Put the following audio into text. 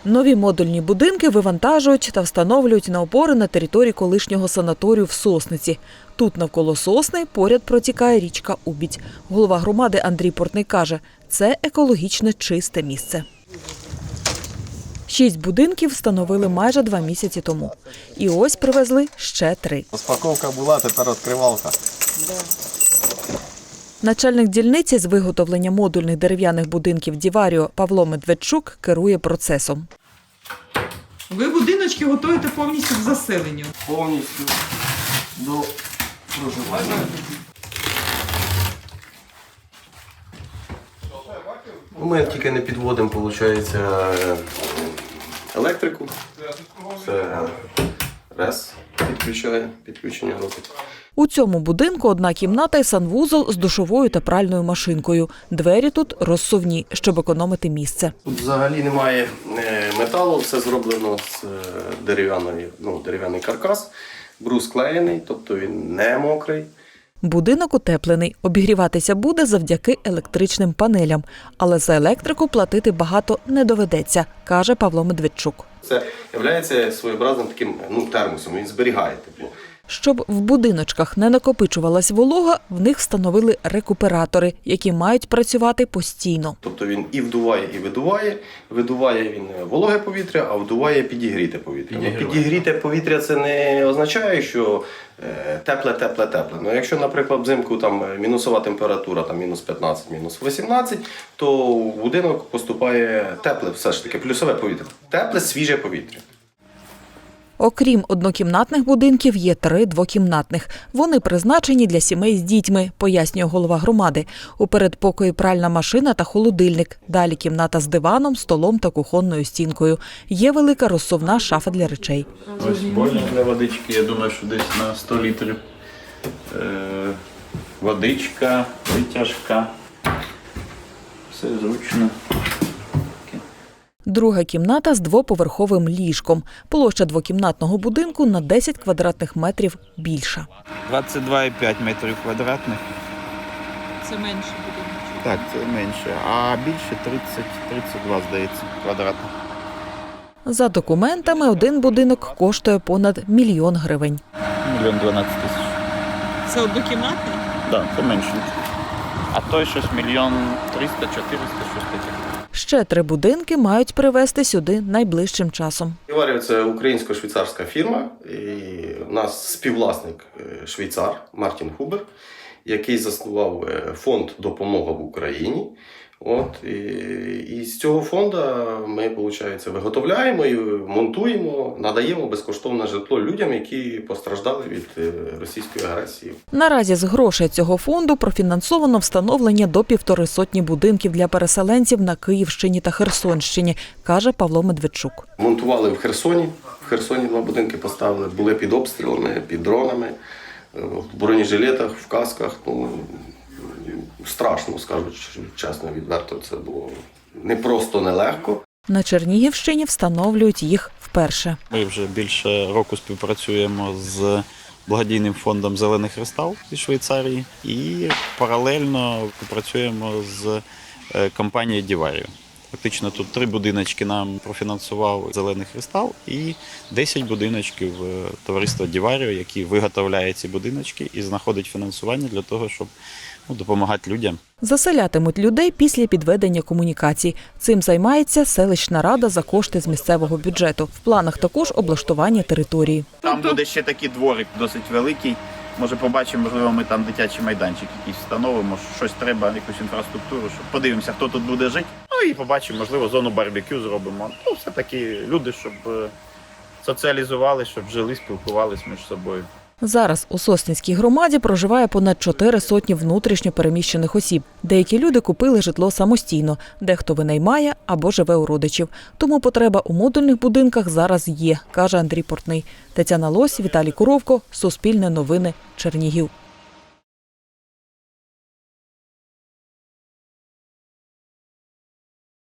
Нові модульні будинки вивантажують та встановлюють на опори на території колишнього санаторію в Сосниці. Тут навколо сосни поряд протікає річка Убідь. Голова громади Андрій Портний каже, це екологічно чисте місце. 6 будинків встановили майже 2 місяці тому. І ось привезли ще 3. Розпаковка була, тепер відкривалка. Начальник дільниці з виготовлення модульних дерев'яних будинків «Діваріо» Павло Медведчук керує процесом. Ви будиночки готуєте повністю к заселенню? Повністю до проживання. Ми тільки не підводимо, виходить, електрику. Це РЕС підключення робить. У цьому будинку одна кімната і санвузол з душовою та пральною машинкою. Двері тут розсувні, щоб економити місце. Тут взагалі немає металу, все зроблено з дерев'яний каркас. Брус клеєний, тобто він не мокрий. Будинок утеплений. Обігріватися буде завдяки електричним панелям. Але за електрику платити багато не доведеться, каже Павло Медведчук. Це є своєобразним таким термосом, він зберігає тепло. Щоб в будиночках не накопичувалась волога, в них встановили рекуператори, які мають працювати постійно. Тобто він і вдуває, і видуває. Видуває він вологе повітря, а вдуває підігріте повітря. Підігріте повітря – це не означає, що тепле. Ну, якщо, наприклад, взимку там мінусова температура, там мінус 15, мінус 18, то в будинок поступає тепле, все ж таки, плюсове повітря. Тепле, свіже повітря. Окрім однокімнатних будинків, є 3 двокімнатних. Вони призначені для сімей з дітьми, пояснює голова громади. У передпокої пральна машина та холодильник. Далі кімната з диваном, столом та кухонною стінкою. Є велика розсувна шафа для речей. Ось бойлер для водички, я думаю, що десь на 100 літрів. Водичка, витяжка. Все зручно. Друга кімната з двоповерховим ліжком. Площа двокімнатного будинку на 10 квадратних метрів більша. 22,5 метрів квадратних. Це менше будиночок. Так, це менше. А більше 30-32, здається, квадратних. За документами, один будинок коштує понад 1 мільйон гривень. 1 12 тисяч. Це однокімнатний? Так, це менше. А той щось 1 300 000 – 400 000, щось таке. Ще 3 будинки мають привезти сюди найближчим часом. «Діваріо» – це українсько-швейцарська фірма. І у нас співвласник швейцар Мартін Хубер, який заснував фонд «Допомога в Україні». І з цього фонду ми, виходить, виготовляємо і монтуємо, надаємо безкоштовне житло людям, які постраждали від російської агресії. Наразі з грошей цього фонду профінансовано встановлення до 150 будинків для переселенців на Київщині та Херсонщині, каже Павло Медведчук. Монтували в Херсоні. В Херсоні 2 будинки поставили, були під обстрілами, під дронами, в бронежилетах, в касках. Страшно, скажу чесно, відверто, це було не просто нелегко. На Чернігівщині встановлюють їх вперше. Ми вже більше року співпрацюємо з благодійним фондом «Зелений кристал» із Швейцарії і паралельно працюємо з компанією «Діваріо». Фактично тут 3 будиночки нам профінансував «Зелений кристал» і 10 будиночків товариства «Діваріо», які виготовляє ці будиночки і знаходить фінансування для того, щоб допомагати людям. Заселятимуть людей після підведення комунікацій. Цим займається селищна рада за кошти з місцевого бюджету. В планах також облаштування території. Там буде ще такий дворик досить великий. Може побачимо, можливо, ми там дитячий майданчик якийсь встановимо, щось треба, якусь інфраструктуру, щоб подивимося, хто тут буде жити. Ну і побачимо, можливо, зону барбекю зробимо. Ну, все-таки люди, щоб соціалізували, щоб жили, спілкувалися між собою. Зараз у Сосницькій громаді проживає понад 400 внутрішньо переміщених осіб. Деякі люди купили житло самостійно, дехто винаймає або живе у родичів. Тому потреба у модульних будинках зараз є, каже Андрій Портний. Тетяна Лось, Віталій Куровко, Суспільне новини, Чернігів.